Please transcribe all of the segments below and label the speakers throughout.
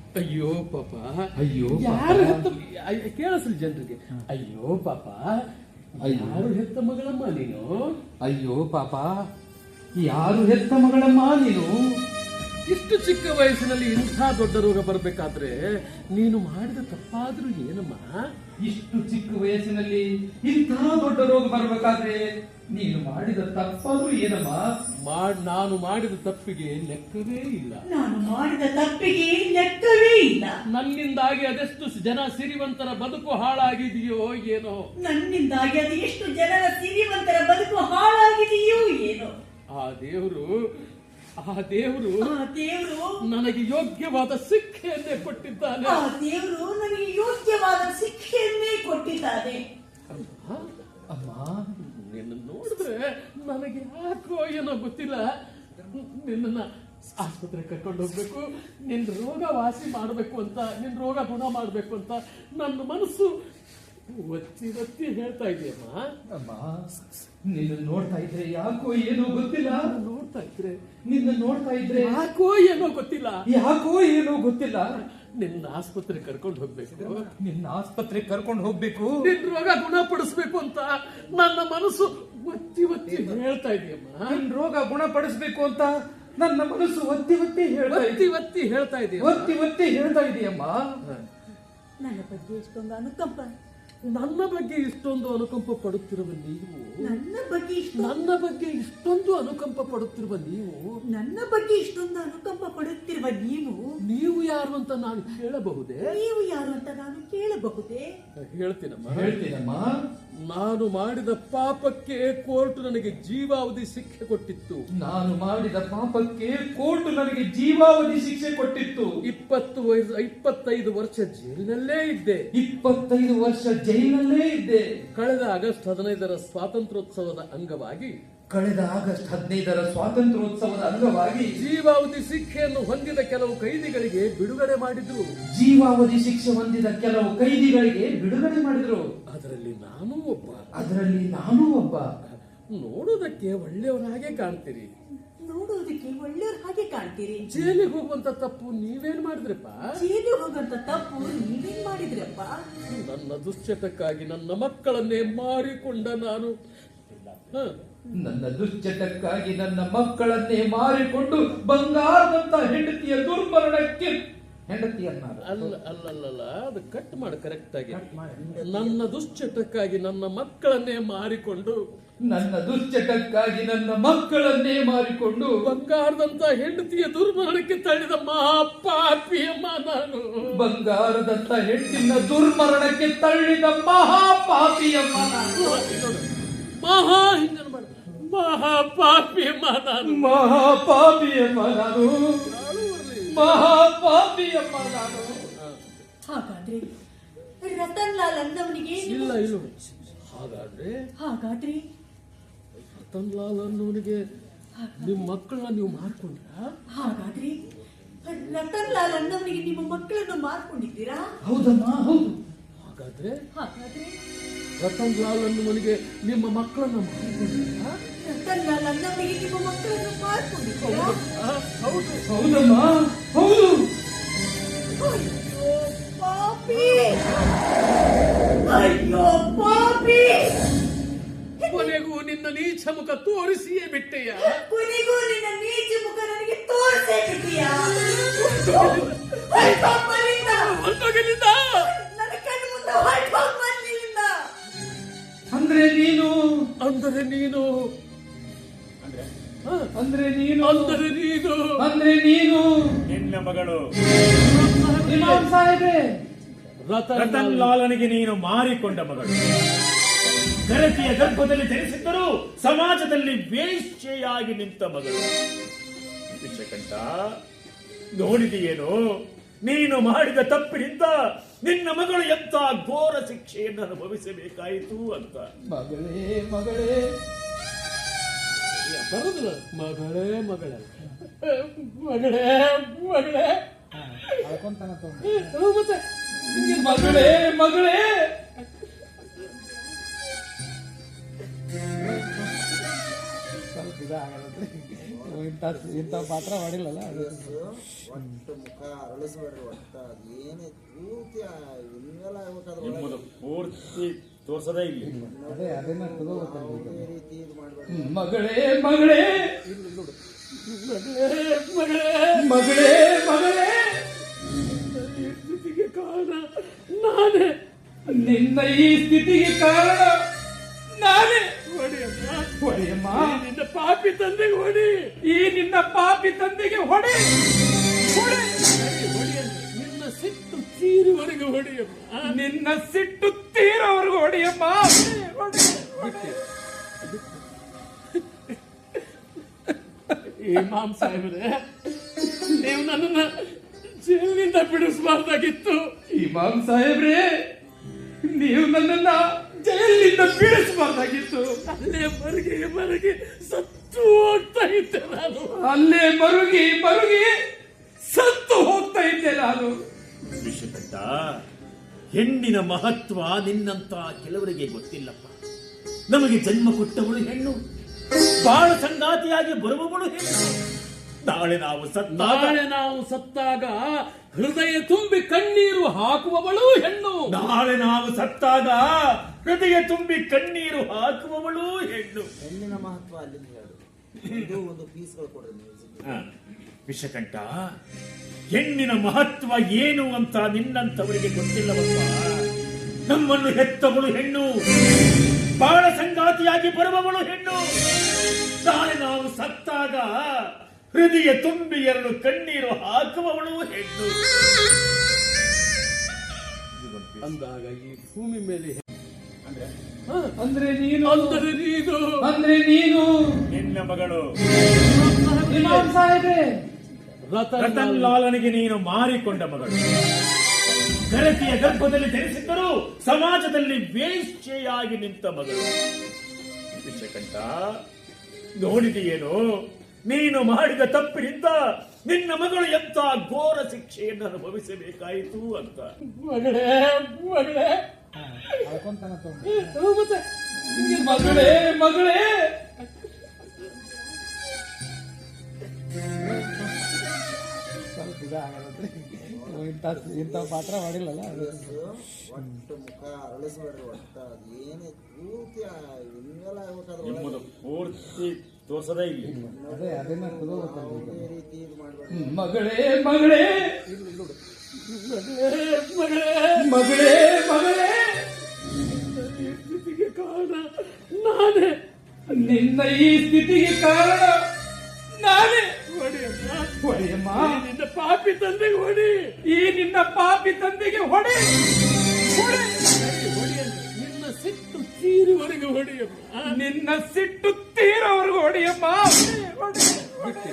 Speaker 1: ಅಯ್ಯೋ ಪಾಪ,
Speaker 2: ಅಯ್ಯೋ
Speaker 1: ಯಾರು ಹೆತ್ತ ಕೇಳಿಸ್ಲಿ ಜನರಿಗೆ. ಅಯ್ಯೋ ಪಾಪ, ಯಾರು ಹೆತ್ತ ಮಗಳಮ್ಮ ನೀನು?
Speaker 2: ಅಯ್ಯೋ ಪಾಪ, ಯಾರು ಹೆತ್ತ ಮಗಳಮ್ಮ ನೀನು?
Speaker 1: ಇಷ್ಟು ಚಿಕ್ಕ ವಯಸ್ಸಿನಲ್ಲಿ ಇಂಥ ದೊಡ್ಡ ರೋಗ ಬರಬೇಕಾದ್ರೆ ನೀನು ಮಾಡಿದ ತಪ್ಪಾದ್ರೂ ಏನಮ್ಮ?
Speaker 2: ಇಷ್ಟು ಚಿಕ್ಕ ವಯಸ್ಸಿನಲ್ಲಿ ಇಂತಹ ದೊಡ್ಡ ರೋಗ ಬರಬೇಕಾದ್ರೆ ನೀನು ಮಾಡಿದ ತಪ್ಪಾದ್ರೂ ಏನಮ್ಮ?
Speaker 1: ನಾನು ಮಾಡಿದ ತಪ್ಪಿಗೆ ಲೆಕ್ಕವೇ ಇಲ್ಲ.
Speaker 3: ನಾನು ಮಾಡಿದ ತಪ್ಪಿಗೆ ಲೆಕ್ಕವೇ ಇಲ್ಲ.
Speaker 1: ನನ್ನಿಂದಾಗಿ ಅದೆಷ್ಟು ಜನ ಸಿರಿವಂತರ ಬದುಕು ಹಾಳಾಗಿದೆಯೋ ಏನೋ.
Speaker 3: ನನ್ನಿಂದಾಗಿ ಅದು ಎಷ್ಟು ಜನರ ಸಿರಿವಂತರ ಬದುಕು ಹಾಳಾಗಿದೆಯೋ ಏನೋ.
Speaker 1: ಆ ದೇವರು ನನಗೆ ಯೋಗ್ಯವಾದ ಶಿಕ್ಷೆಯನ್ನೇ ಕೊಟ್ಟಿದ್ದಾನೆ.
Speaker 3: ಆ ದೇವರು ನನಗೆ ಯೋಗ್ಯವಾದ ಶಿಕ್ಷೆಯನ್ನೇ ಕೊಟ್ಟಿದ್ದಾನೆ.
Speaker 1: ಅಮ್ಮ, ನಿನ್ನ ನೋಡಿದ್ರೆ ನನಗೆ ಯಾಕೋ ಏನೋ ಗೊತ್ತಿಲ್ಲ. ನಿನ್ನ ಆಸ್ಪತ್ರೆ ಕರ್ಕೊಂಡು ಹೋಗ್ಬೇಕು, ನಿನ್ನ ರೋಗ ವಾಸಿ ಮಾಡಬೇಕು ಅಂತ, ನಿನ್ನ ರೋಗ ಗುಣ ಮಾಡಬೇಕು ಅಂತ ನನ್ನ ಮನಸ್ಸು ಒತ್ತಿ ಹೇಳ್ತಾ ಇದೆಯಮ್ಮ.
Speaker 2: ಅಮ್ಮ, ನಿನ್ನ ನೋಡ್ತಾ ಇದ್ರೆ ಯಾಕೋ ಏನೋ ಗೊತ್ತಿಲ್ಲ.
Speaker 1: ನಿನ್ನ ನೋಡ್ತಾ ಇದ್ರೆ ಯಾಕೋ ಏನೋ ಗೊತ್ತಿಲ್ಲ. ನಿನ್ನ ಆಸ್ಪತ್ರೆ ಕರ್ಕೊಂಡು ಹೋಗ್ಬೇಕು,
Speaker 2: ನಿನ್ನ ಆಸ್ಪತ್ರೆ ಕರ್ಕೊಂಡು ಹೋಗ್ಬೇಕು,
Speaker 1: ನಿನ್ನ ರೋಗ ಗುಣಪಡಿಸ್ಬೇಕು ಅಂತ ನನ್ನ ಮನಸ್ಸು ಒತ್ತಿ ಹೇಳ್ತಾ ಇದೆಯಮ್ಮ.
Speaker 2: ನಿನ್ನ ರೋಗ ಗುಣಪಡಿಸ್ಬೇಕು ಅಂತ ನನ್ನ ಮನಸ್ಸು ಒತ್ತಿ ಹೇಳ್ತಾ ಇದೆಯಮ್ಮ.
Speaker 3: ನನ್ನ ಬಗ್ಗೆ ಇಷ್ಟೊಂದು ಅನುಕಂಪ,
Speaker 1: ನನ್ನ ಬಗ್ಗೆ ಇಷ್ಟೊಂದು ಅನುಕಂಪ ಪಡುತ್ತಿರುವ ನೀವು,
Speaker 3: ನನ್ನ ಬಗ್ಗೆ
Speaker 1: ಇಷ್ಟೊಂದು ಅನುಕಂಪ ಪಡುತ್ತಿರುವ ನೀವು,
Speaker 3: ನನ್ನ ಬಗ್ಗೆ ಇಷ್ಟೊಂದು ಅನುಕಂಪ ಪಡುತ್ತಿರುವ
Speaker 1: ನೀವು ಯಾರು ಅಂತ ನಾನು ಕೇಳಬಹುದೇ?
Speaker 3: ನೀವು ಯಾರು ಅಂತ ನಾನು ಕೇಳಬಹುದೇ?
Speaker 1: ಹೇಳ್ತೀನಮ್ಮ. ನಾನು ಮಾಡಿದ ಪಾಪಕ್ಕೆ ಕೋರ್ಟ್ ನನಗೆ ಜೀವಾವಧಿ ಶಿಕ್ಷೆ ಕೊಟ್ಟಿತ್ತು. 25 ವರ್ಷ ಜೈಲಿನಲ್ಲೇ ಇದ್ದೆ. ಕಳೆದ ಆಗಸ್ಟ್ 15ರ ಸ್ವಾತಂತ್ರ್ಯೋತ್ಸವದ ಅಂಗವಾಗಿ ಜೀವಾವಧಿ ಶಿಕ್ಷೆಯನ್ನು ಹೊಂದಿದ ಕೆಲವು ಕೈದಿಗಳಿಗೆ ಬಿಡುಗಡೆ ಮಾಡಿದ್ರು. ಅದರಲ್ಲಿ ನಾನೂ ಒಬ್ಬ. ನೋಡೋದಕ್ಕೆ ಒಳ್ಳೆಯವರ ಹಾಗೆ ಕಾಣ್ತೀರಿ. ಜೈಲಿಗೆ ಹೋಗುವಂತ ತಪ್ಪು ನೀವೇನ್ ಮಾಡಿದ್ರಪ್ಪ? ನನ್ನ ದುಶ್ಚಟಕ್ಕಾಗಿ ನನ್ನ ಮಕ್ಕಳನ್ನೇ ಮಾರಿಕೊಂಡ ನಾನು. ಬಂಗಾರದಂತ ಹೆಂಡತಿಯ ದುರ್ಮರಣಕ್ಕೆ ಅಲ್ಲ, ಅದು ಕಟ್ ಮಾಡಿ ಕರೆಕ್ಟ್ ಆಗಿ. ನನ್ನ ದುಶ್ಚಟಕ್ಕಾಗಿ ನನ್ನ ಮಕ್ಕಳನ್ನೇ ಮಾರಿಕೊಂಡು ಬಂಗಾರದಂತ ಹೆಂಡತಿಯ ದುರ್ಮರಣಕ್ಕೆ ತಳ್ಳಿದ ಮಹಾಪಾಪಿಯಮ್ಮ ನಾನು.
Speaker 2: ಬಂಗಾರದಂತ ಹೆಂಡತಿನ ದುರ್ಮರಣಕ್ಕೆ ತಳ್ಳಿದ ಮಹಾಪಾಪಿಯಮ್ಮ ನಾನು.
Speaker 1: ಮಹಾಪಾಪಿಯಮ್ಮ ನಾನು.
Speaker 3: ಹಾಗಾದ್ರೆ ರತನ್ ಲಾಲ್ ಅನ್ನವನಿಗೆ
Speaker 1: ಇಲ್ಲ
Speaker 3: ಹಾಗಾದ್ರೆ
Speaker 1: ರತನ್ ಲಾಲ್ ಅನ್ನೋನಿಗೆ ನಿಮ್ಮ ಮಕ್ಕಳನ್ನ ನೀವು ಮಾರ್ಕೊಂಡ್ರ?
Speaker 3: ಹಾಗಾದ್ರೆ ರತನ್ ಲಾಲ್ ಅನ್ನವನಿಗೆ ನಿಮ್ಮ ಮಕ್ಕಳನ್ನು ಮಾರ್ಕೊಂಡಿದ್ದೀರಾ?
Speaker 2: ಹೌದಮ್ಮ, ಹೌದು.
Speaker 1: ಹಾಗಾದ್ರೆ ರತನ್ ಲಾಲ್ ಅನ್ನೋನಿಗೆ ನಿಮ್ಮ ಮಕ್ಕಳನ್ನ ಮಾರ್ಕೊಂಡಿದ್ದೀರಾ?
Speaker 3: ರತನ್ ಲಾಲ್ ಅನ್ನವನಿಗೆ ನಿಮ್ಮ ಮಕ್ಕಳನ್ನು ಮಾರ್ಕೊಂಡಿದ್ದೀರಾ?
Speaker 2: ಹೌದಮ್ಮ, ಹೌದು.
Speaker 3: ಅಯ್ಯೋ ಪಾಪಿ,
Speaker 1: ಕೊನೆಗೂ ನಿನ್ನ ನೀಚ ಮುಖ ತೋರಿಸಿಯೇ ಬಿಟ್ಟೆಯ.
Speaker 3: ನನಗೆ ತೋರಿಸೇ ಬಿಟ್ಟೆಯಾ?
Speaker 2: ಅಂದ್ರೆ ನೀನು
Speaker 4: ನಿನ್ನ ಮಗಳು
Speaker 2: ಸಾಹೇಬ್ರೆ,
Speaker 4: ರತನ್ ಲಾಲನಿಗೆ ನೀನು ಮಾರಿಕೊಂಡ ಮಗಳು. ಗರತಿಯ ಗರ್ಭದಲ್ಲಿ ಧರಿಸಿದ್ದರೂ ಸಮಾಜದಲ್ಲಿ ವೇಶ್ಯೆಯಾಗಿ ನಿಂತ ಮಗಳು. ವಿಷಕಂಠ, ನೋಡಿದೆಯೇನು ನೀನು ಮಾಡಿದ ತಪ್ಪಿನಿಂದ ನಿನ್ನ ಮಗಳು ಎಂತ ಘೋರ ಶಿಕ್ಷೆಯನ್ನು ಅನುಭವಿಸಬೇಕಾಯಿತು ಅಂತ.
Speaker 2: ಮಗಳೇ ಇಂಥ ಪಾತ್ರ ಮಾಡಿಲ್ಲಲ್ಲ ಅದು.
Speaker 5: ಒಟ್ಟು ಮುಖ ಅರಳಿಸ್ಬೇಡ್ರಿ. ಒಟ್ಟ ಏನೇ ಪೂರ್ತಿ ಇನ್ವೆಲ್ಲ ಆಗ್ಬೇಕಾದ್ರೆ
Speaker 4: ನಿಮ್ಮದು ಪೂರ್ತಿ ತೋರ್ಸದೇ ಇಲ್ಲ.
Speaker 2: ಅದನ್ನ ತಗೋಬೇಕಲ್ಲ ಈಗ.
Speaker 5: ಈ ರೀತಿ ಇದು ಮಾಡ್ಬೇಡ್ರಿ.
Speaker 2: ಮಗಳೇ ಮಗಳೇ ಮಗಳೇ ಮಗಳೇ
Speaker 1: ಈ ಸ್ಥಿತಿಗೆ ಕಾರಣ ನಾನೇ.
Speaker 2: ನಿನ್ನ ಈ ಸ್ಥಿತಿಗೆ ಕಾರಣ ನಾನೇ.
Speaker 1: ಹೊಡೆಯಮ್ಮ,
Speaker 2: ಹೊಡೆಯಮ್ಮ,
Speaker 1: ನಿನ್ನ ಪಾಪಿ ತಂದೆಗೆ ಹೊಡಿ.
Speaker 2: ಈ ನಿನ್ನ ಪಾಪಿ ತಂದೆಗೆ ಹೊಡೆ ಹೊಡೆ.
Speaker 1: ನಿನ್ನ ಸಿಟ್ಟು ತೀರುವರೆಗೂ ಹೊಡೆಯಮ್ಮ.
Speaker 2: ನಿನ್ನ ಸಿಟ್ಟು ತೀರೋವರೆಗೂ ಹೊಡೆಯಮ್ಮ. ಹೊಡೆ, ಹೊಡೆ.
Speaker 1: ಇಮಾಮ್ ಸಾಹೇಬ್ರೆ, ನೀವು ನನ್ನನ್ನ ಜೈಲಿನಿಂದ ಬಿಡಿಸಬಾರ್ದಾಗಿತ್ತು.
Speaker 2: ಇಮಾಮ್ ಸಾಹೇಬ್ರೇ, ನೀವು ನನ್ನನ್ನ ಜೈಲಿನಿಂದ ಬೀಳಿಸಬಾರ್ದಾಗಿತ್ತು.
Speaker 1: ಅಲ್ಲೇ ಮರುಗಿ ಸತ್ತು ಹೋಗ್ತಾ ಇದ್ದೆ ನಾನು.
Speaker 2: ಅಲ್ಲೇ ಮರುಗಿ ಮರುಗಿ ಸತ್ತು ಹೋಗ್ತಾ ಇದ್ದೆ ನಾನು.
Speaker 4: ವಿಷಕಂಠ, ಹೆಣ್ಣಿನ ಮಹತ್ವ ನಿನ್ನಂತ ಕೆಲವರಿಗೆ ಗೊತ್ತಿಲ್ಲಪ್ಪ. ನಮಗೆ ಜನ್ಮ ಕೊಟ್ಟವಳು ಹೆಣ್ಣು, ಬಾಳ ಸಂಗಾತಿಯಾಗಿ ಬರುವವಳು ಹೆಣ್ಣು. ನಾಳೆ ನಾವು
Speaker 1: ಸತ್ತಾಗ ಹೃದಯ ತುಂಬಿ ಕಣ್ಣೀರು ಹಾಕುವವಳು ಹೆಣ್ಣು.
Speaker 4: ನಾಳೆ ನಾವು ಸತ್ತಾಗ ಹೃದಯ ತುಂಬಿ ಕಣ್ಣೀರು ಹಾಕುವವಳು ಹೆಣ್ಣು.
Speaker 5: ಹೆಣ್ಣಿನ ಮಹತ್ವ ಅಲ್ಲಿಂದ ಹೇಳು. ಇದು ಒಂದು ಪೀಸ್ಗಳು ಕೊಡ್ರಿ ಮ್ಯೂಸಿಕ್.
Speaker 4: ವಿಷಕಂಠ, ಹೆಣ್ಣಿನ ಮಹತ್ವ ಏನು ಅಂತ ನಿನ್ನಂತವರಿಗೆ ಗೊತ್ತಿಲ್ಲವಪ್ಪ. ನಮ್ಮನ್ನು ಹೆತ್ತವಳು ಹೆಣ್ಣು, ಬಾಳ ಸಂಗಾತಿಯಾಗಿ ಬರುವವಳು ಹೆಣ್ಣು. ನಾಳೆ ನಾವು ಸತ್ತಾಗ ಹೃದಯ ತುಂಬಿ ಎರಡು ಕಣ್ಣೀರು ಹಾಕುವವಳು ಹೆಣ್ಣು.
Speaker 1: ಅಂದಾಗ ಈ ಭೂಮಿ ಮೇಲೆ
Speaker 2: ಅಂದ್ರೆ ನೀನು
Speaker 1: ಅಂದರೆ ನೀನು
Speaker 4: ನಿನ್ನ ಮಗಳು
Speaker 2: ಇಮಾಮ್ ಸಾಹೇಬ್ರೆ,
Speaker 4: ರತನ್ ಲಾಲನಿಗೆ ನೀನು ಮಾರಿಕೊಂಡ ಮಗಳು. ಗರತಿಯ ಗರ್ಭದಲ್ಲಿ ಧರಿಸಿದ್ದರೂ ಸಮಾಜದಲ್ಲಿ ವೇಶ್ಯೆಯಾಗಿ ನಿಂತ ಮಗಳು. ವಿಷಕಂಠ, ನೋಡಿದೆಯೇನು ನೀನು ಮಾಡಿದ ತಪ್ಪಿನಿಂದ ನಿನ್ನ ಮಗಳು ಎಂತ ಘೋರ ಶಿಕ್ಷೆಯನ್ನು ಅನುಭವಿಸಬೇಕಾಯಿತು ಅಂತ.
Speaker 1: ಮಗಳೇ
Speaker 2: ಮತ್ತೆ ಮಗಳೇ ಮಗಳೇ ಇಂಥ ಪಾತ್ರ ಮಾಡಿಲ್ಲಲ್ಲ ಅದು.
Speaker 5: ಒಟ್ಟು ಮುಖ ಅರಳಿಸ್ಬೇಡ್ರಿ. ಒಟ್ಟ ಏನೇ ಪೂರ್ತಿ ಇನ್ವೆಲ್ಲ ಆಗ್ಬೇಕಾದ್ರೆ
Speaker 4: ನಿಮ್ಮದು ಪೂರ್ತಿ ತೋರ್ಸದೇ ಇಲ್ಲ.
Speaker 2: ಅದನ್ನ ತಗೋಬೇಕಲ್ಲ ಈಗ.
Speaker 5: ಈ ರೀತಿ ಇದು ಮಾಡ್ಬೇಡ್ರಿ.
Speaker 2: ಮಗಳೇ ಮಗಳೇ ಮಗಳೇ ಮಗಳೇ,
Speaker 1: ಈ ಸ್ಥಿತಿಗೆ ಕಾರಣ ನಾನೇ.
Speaker 2: ನಿನ್ನ ಈ ಸ್ಥಿತಿಗೆ ಕಾರಣ ನಾನೇ.
Speaker 1: ಹೊಡೆಯಮ್ಮ,
Speaker 2: ಹೊಡೆಯಮ್ಮ,
Speaker 1: ನಿನ್ನ ಪಾಪಿ ತಂದೆಗೆ ಹೊಡಿ.
Speaker 2: ಈ ನಿನ್ನ ಪಾಪಿ ತಂದೆಗೆ ಹೊಡೆ ಹೊಡೆ.
Speaker 1: ನಿನ್ನ ಸಿಟ್ಟು ತೀರುವರೆಗೂ ಹೊಡೆಯಮ್ಮ.
Speaker 2: ನಿನ್ನ ಸಿಟ್ಟು ತೀರೋವರೆಗೂ ಹೊಡೆಯಮ್ಮ. ಹೊಡೆ, ಹೊಡೆ.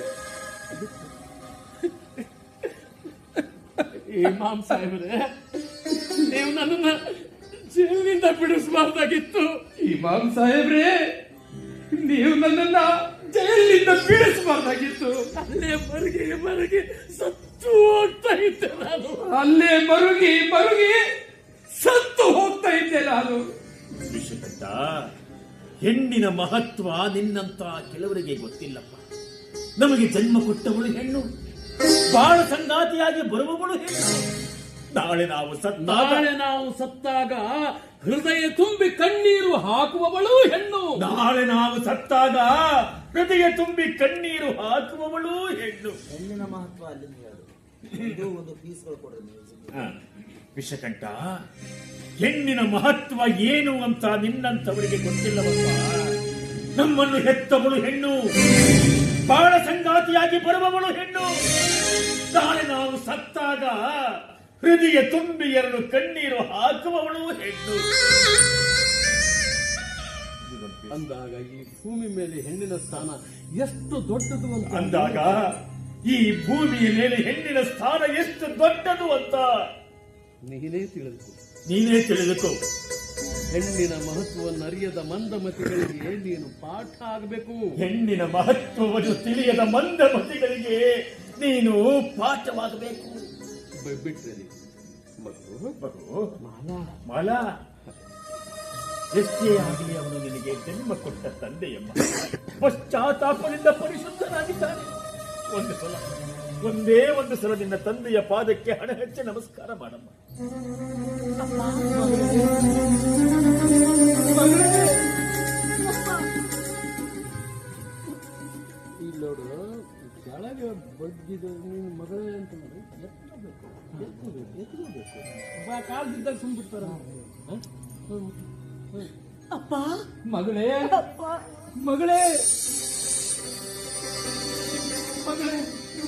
Speaker 1: ಇಮಾಮ್ ಸಾಹೇಬ್ರೆ, ನೀವು ನನ್ನನ್ನ ಜೈಲಿನಿಂದ ಬಿಡಿಸಬಾರ್ದಾಗಿತ್ತು.
Speaker 2: ಇಮಾಮ್ ಸಾಹೇಬ್ರೇ, ನೀವು ನನ್ನನ್ನ ಜೈಲಿನಿಂದ ಬೀಳಿಸಬಾರ್ದಾಗಿತ್ತು.
Speaker 1: ಅಲ್ಲೇ ಮರುಗಿ ಸತ್ತು ಹೋಗ್ತಾ ಇದ್ದೆ ನಾನು.
Speaker 2: ಅಲ್ಲೇ ಮರುಗಿ ಮರುಗಿ ಸತ್ತು ಹೋಗ್ತಾ ಇದ್ದೆ ನಾನು.
Speaker 4: ವಿಷಕಂಠ, ಹೆಣ್ಣಿನ ಮಹತ್ವ ನಿನ್ನಂತ ಕೆಲವರಿಗೆ ಗೊತ್ತಿಲ್ಲಪ್ಪ. ನಮಗೆ ಜನ್ಮ ಕೊಟ್ಟವಳು ಹೆಣ್ಣು, ಬಾಳ ಸಂಗಾತಿಯಾಗಿ ಬರುವವಳು ಹೆಣ್ಣು. ನಾಳೆ ನಾವು
Speaker 1: ಸತ್ತಾಗ ಹೃದಯ ತುಂಬಿ ಕಣ್ಣೀರು ಹಾಕುವವಳು ಹೆಣ್ಣು.
Speaker 4: ನಾಳೆ ನಾವು ಸತ್ತಾಗ ಹೃದಯ ತುಂಬಿ ಕಣ್ಣೀರು ಹಾಕುವವಳು ಹೆಣ್ಣು.
Speaker 5: ಹೆಣ್ಣಿನ ಮಹತ್ವ ಅಲ್ಲಿಂದ ಹೇಳು. ಇದು ಒಂದು ಪೀಸ್ಗಳು ಕೊಡ್ರಿ ಮ್ಯೂಸಿಕ್.
Speaker 4: ವಿಷಕಂಠ, ಹೆಣ್ಣಿನ ಮಹತ್ವ ಏನು ಅಂತ ನಿನ್ನಂತವರಿಗೆ ಗೊತ್ತಿಲ್ಲವಪ್ಪ. ನಮ್ಮನ್ನು ಹೆತ್ತವಳು ಹೆಣ್ಣು, ಬಾಳ ಸಂಗಾತಿಯಾಗಿ ಬರುವವಳು ಹೆಣ್ಣು. ನಾಳೆ ನಾವು ಸತ್ತಾಗ ಹೃದಯ ತುಂಬಿ ಎರಡು ಕಣ್ಣೀರು ಹಾಕುವವಳು ಹೆಣ್ಣು.
Speaker 1: ಅಂದಾಗ ಈ ಭೂಮಿ ಮೇಲೆ ಹೆಣ್ಣಿನ ಸ್ಥಾನ ಎಷ್ಟು ದೊಡ್ಡದು ಅಂತ
Speaker 4: ಅಂದಾಗ ಈ ಭೂಮಿಯ ಮೇಲೆ ಹೆಣ್ಣಿನ ಸ್ಥಾನ ಎಷ್ಟು ದೊಡ್ಡದು ಅಂತ ನೀನೇ ತಿಳಿದುಕೋ.
Speaker 1: ಹೆಣ್ಣಿನ ಮಹತ್ವವನ್ನು ಅರಿಯದ ಮಂದಮತಿಗಳಿಗೆ ನೀನು ಪಾಠ ಆಗಬೇಕು.
Speaker 4: ಹೆಣ್ಣಿನ ಮಹತ್ವವನ್ನು ತಿಳಿಯದ ಮಂದಮತಿಗಳಿಗೆ ನೀನು ಪಾಠವಾಗಬೇಕು.
Speaker 1: ಬಿಟ್ರೆ
Speaker 4: ಮಾಲಾ ಎಷ್ಟೇ ಆಗಲಿ ಅವನು ನಿನಗೆ ಜನ್ಮ ಕೊಟ್ಟ ತಂದೆಯಮ್ಮ. ಪಶ್ಚಾತ್ತಾಪದಿಂದ ಪರಿಶುದ್ಧನಾಗಿದ್ದಾನೆ. ಒಂದು ಸಲ, ಒಂದೇ ಒಂದು ಸಲ ನಿನ್ನ ತಂದೆಯ ಪಾದಕ್ಕೆ ಹಣ ಹೆಚ್ಚಿ ನಮಸ್ಕಾರ ಮಾಡಮ್ಮ.
Speaker 1: ಇಲ್ಲಿ ನೋಡು, ಕೆಳಗೆ ಬಗ್ಗಿದ ನೀನು ಮಗಳೇ ಅಂತ ನೋಡಿ ಎತ್ತಬೇಕು, ಕಾಲು ಬಿದ್ದಾಗ ಸುಮ್ಬಿಡ್ತಾರ.
Speaker 3: ಅಪ್ಪ
Speaker 2: ಮಗಳೇ,
Speaker 3: ಅಪ್ಪ
Speaker 2: ಮಗಳೇ, ಮಗಳೇ.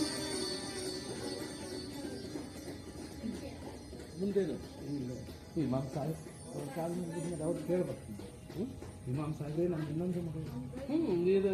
Speaker 1: ಮುಂದೇನು ಇಮಾಮ್ ಸಾಹೇಬ್ ಅವ್ರ ಕಾಲು ಮುಗಿದ್ಮೇಲೆ ಅವ್ರು ಕೇಳ್ಬರ್ತೀನಿ.
Speaker 2: ಇಮಾಮ್ ಸಾಹೇಬ್ರೆ, ನಮ್ಮ ಇನ್ನೊಂದು ಮಗಳು.
Speaker 1: ನೀರು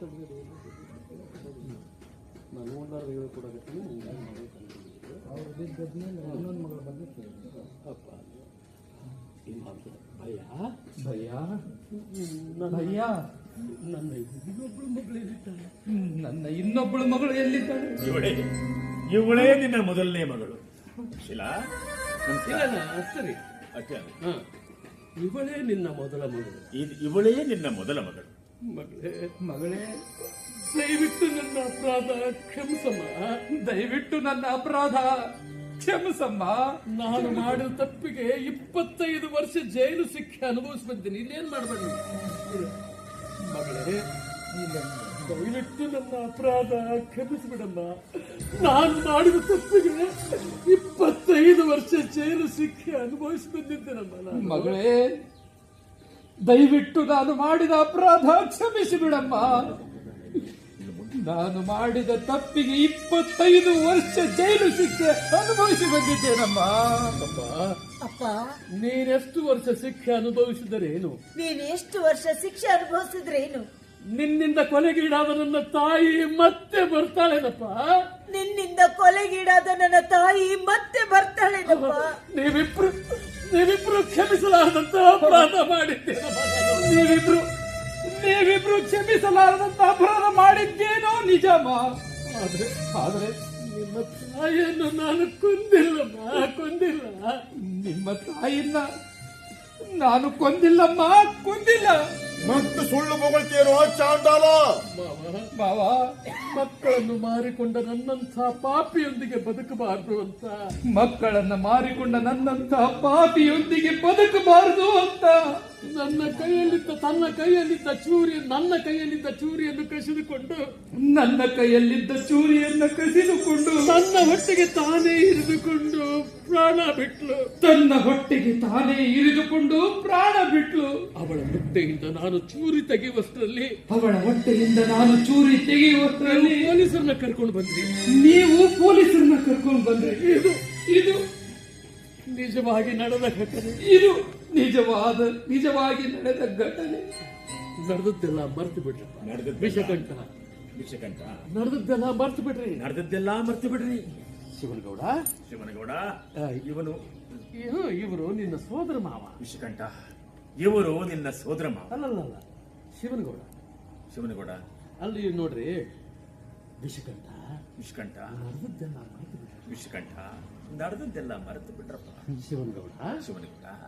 Speaker 1: ನಾನು ಓನರ್ ಹೇಳ್ಕೊಡಕತ್ತೀನಿ.
Speaker 2: ಅವ್ರು ಬಿದ್ದದ್ಮೇಲೆ ಇನ್ನೊಂದು ಮಗಳ ಬಗ್ಗೆ
Speaker 1: ಅಪ್ಪ ಇಮಾಮ್ ಭಯ
Speaker 2: ಭಯ್ಯ,
Speaker 1: ನನ್ನ
Speaker 2: ಭಯ್ಯ,
Speaker 1: ನನ್ನ ಇನ್ನೊಬ್ಬಳು ಮಗಳು ಎಲ್ಲಿದ್ದಾಳೆ?
Speaker 2: ನನ್ನ ಇನ್ನೊಬ್ಬಳು ಮಗಳು ಎಲ್ಲಿದ್ದಾಳೆ?
Speaker 4: ಇವಳೇ ನಿನ್ನ ಮೊದಲನೇ ಮಗಳು ಶಿಲಾ.
Speaker 1: ಇಲ್ಲ, ಸರಿ,
Speaker 4: ಅಷ್ಟೇ ಅಲ್ಲ.
Speaker 1: ಹಾ, ಇವಳೇ ನಿನ್ನ ಮೊದಲ ಮಗಳು.
Speaker 4: ಇವಳೇ ನಿನ್ನ ಮೊದಲ ಮಗಳು.
Speaker 1: ಮಗಳೇ,
Speaker 2: ಮಗಳೇ,
Speaker 1: ದಯವಿಟ್ಟು ನನ್ನ ಅಪರಾಧ ಕ್ಷಮಿಸಮ್ಮ.
Speaker 2: ದಯವಿಟ್ಟು ನನ್ನ ಅಪರಾಧ ಕ್ಷಮಿಸಮ್ಮ.
Speaker 1: ನಾನು ಮಾಡಿದ ತಪ್ಪಿಗೆ 25 ವರ್ಷ ಜೈಲು ಶಿಕ್ಷೆ ಅನುಭವಿಸಿ ಬಂದಿದ್ದೀನಿ. ಇಲ್ಲೇನ್ ಮಾಡ್ಬೇಡ ಮಗಳೇ, ದಯವಿಟ್ಟು ನನ್ನ ಅಪರಾಧ ಕ್ಷಮಿಸಿಬಿಡಮ್ಮ. ನಾನು ಮಾಡಿದ ತಪ್ಪಿಗೆ 25 ವರ್ಷ ಜೈಲು ಶಿಕ್ಷೆ ಅನುಭವಿಸಿ ಬಂದಿದ್ದೇನಮ್ಮ. ನಾನು
Speaker 2: ಮಗಳೇ, ದಯವಿಟ್ಟು ನಾನು ಮಾಡಿದ ಅಪರಾಧ ಕ್ಷಮಿಸಿ ಬಿಡಮ್ಮ. ನಾನು ಮಾಡಿದ ತಪ್ಪಿಗೆ 25 ವರ್ಷ ಜೈಲು ಶಿಕ್ಷೆ ಅನುಭವಿಸಿ ಬಂದಿದ್ದೇನಮ್ಮ.
Speaker 3: ಅಪ್ಪ
Speaker 1: ನೀನೆಷ್ಟು ವರ್ಷ ಶಿಕ್ಷೆ ಅನುಭವಿಸಿದರೇನು?
Speaker 3: ನೀನು ಎಷ್ಟು ವರ್ಷ ಶಿಕ್ಷೆ ಅನುಭವಿಸಿದ್ರೇನು?
Speaker 1: ನಿನ್ನಿಂದ ಕೊಲೆಗೀಡಾದ ನನ್ನ ತಾಯಿ ಮತ್ತೆ ಬರ್ತಾಳೇನಪ್ಪ.
Speaker 3: ನಿನ್ನಿಂದ ಕೊಲೆಗೀಡಾದ ನನ್ನ ತಾಯಿ ಮತ್ತೆ ಬರ್ತಾಳೇನಪ್ಪ.
Speaker 1: ನೀವಿಬ್ರು ಕ್ಷಮಿಸಲಾರದಂತ ಅಪರಾಧ ಮಾಡಿದ್ದೇನಪ್ಪ.
Speaker 2: ನೀವಿಬ್ರು ಕ್ಷಮಿಸಲಾರದಂತ ಅಪರಾಧ ಮಾಡಿದ್ದೇನೋ ನಿಜಮ್ಮ. ಆದ್ರೆ
Speaker 1: ನಿಮ್ಮ ತಾಯಿಯನ್ನು ನಾನು ಕೊಂದಿಲ್ಲಮ್ಮ, ಕೊಂದಿಲ್ಲ.
Speaker 2: ನಿಮ್ಮ ತಾಯಿನ ನಾನು ಕೊಂದಿಲ್ಲಮ್ಮ, ಕೊಂದಿಲ್ಲ.
Speaker 5: ಮತ್ತು ಸುಳ್ಳು ಹೊಗಳ್ತೀರೋ ಚಾಂಡಾಲ?
Speaker 2: ಮಾವ,
Speaker 1: ಮಕ್ಕಳನ್ನು ಮಾರಿಕೊಂಡ ನನ್ನಂಥ ಪಾಪಿಯೊಂದಿಗೆ ಬದುಕಬಾರದು ಅಂತ.
Speaker 2: ಮಕ್ಕಳನ್ನ ಮಾರಿಕೊಂಡ ನನ್ನಂತ ಪಾಪಿಯೊಂದಿಗೆ ಬದುಕಬಾರದು ಅಂತ
Speaker 1: ನನ್ನ ಕೈಯಲ್ಲಿದ್ದ ಚೂರಿಯನ್ನು ಕಸಿದುಕೊಂಡು
Speaker 2: ನನ್ನ ಕೈಯಲ್ಲಿದ್ದ ಚೂರಿಯನ್ನ ಕಸಿದುಕೊಂಡು
Speaker 1: ನನ್ನ ಹೊಟ್ಟೆಗೆ ತಾನೇ ಇರಿದುಕೊಂಡು ಪ್ರಾಣ ಬಿಟ್ಲು.
Speaker 2: ತನ್ನ ಹೊಟ್ಟೆಗೆ ತಾನೇ ಇರಿದುಕೊಂಡು ಪ್ರಾಣ ಬಿಟ್ಲು.
Speaker 1: ಅವಳ ಹೊಟ್ಟೆಯಿಂದ ನಾನು ಚೂರಿ ತೆಗೆಯುವಷ್ಟರಲ್ಲಿ
Speaker 2: ಅವಳ ಹೊಟ್ಟೆಯಿಂದ ನಾನು ಚೂರಿ ತೆಗೆಯುವಷ್ಟರಲ್ಲಿ
Speaker 1: ಪೊಲೀಸರನ್ನ ಕರ್ಕೊಂಡು ಬಂದ್ರಿ.
Speaker 2: ನೀವು ಪೊಲೀಸರನ್ನ ಕರ್ಕೊಂಡು ಬಂದ್ರಿ. ಇದು
Speaker 1: ನಿಜವಾಗಿ ನಡೆದ ಘಟನೆ.
Speaker 2: ಇದು ನಿಜವಾಗಿ ನಡೆದ ಘಟನೆ.
Speaker 1: ನಡೆದದ್ದೆಲ್ಲ ಮರ್ತು ಬಿಡ್ರಿ. ವಿಷಕಂಠ ನಡೆದದ್ದೆಲ್ಲ ಮರ್ತು ಬಿಡ್ರಿ.
Speaker 4: ನಡೆದದ್ದೆಲ್ಲ ಮರ್ತು ಬಿಡ್ರಿ.
Speaker 1: ಶಿವನಗೌಡ, ಇವರು ನಿನ್ನ ಸೋದರ ಮಾವ.
Speaker 4: ವಿಷಕಂಠ, ಇವರು ನಿನ್ನ ಸೋದರ ಮಾವ.
Speaker 1: ಅಲ್ಲಲ್ಲ, ಶಿವನಗೌಡ. ಅಲ್ಲಿ ನೋಡ್ರಿ, ವಿಷಕಂಠ ನಡೆದದ್ದೆಲ್ಲ ಮರ್ತು ಬಿಡ್ರಿ.
Speaker 4: ವಿಷಕಂಠ ನಡೆದದ್ದೆಲ್ಲ ಮರೆತು ಬಿಟ್ರಪ್ಪ.
Speaker 1: ಶಿವನಗೌಡ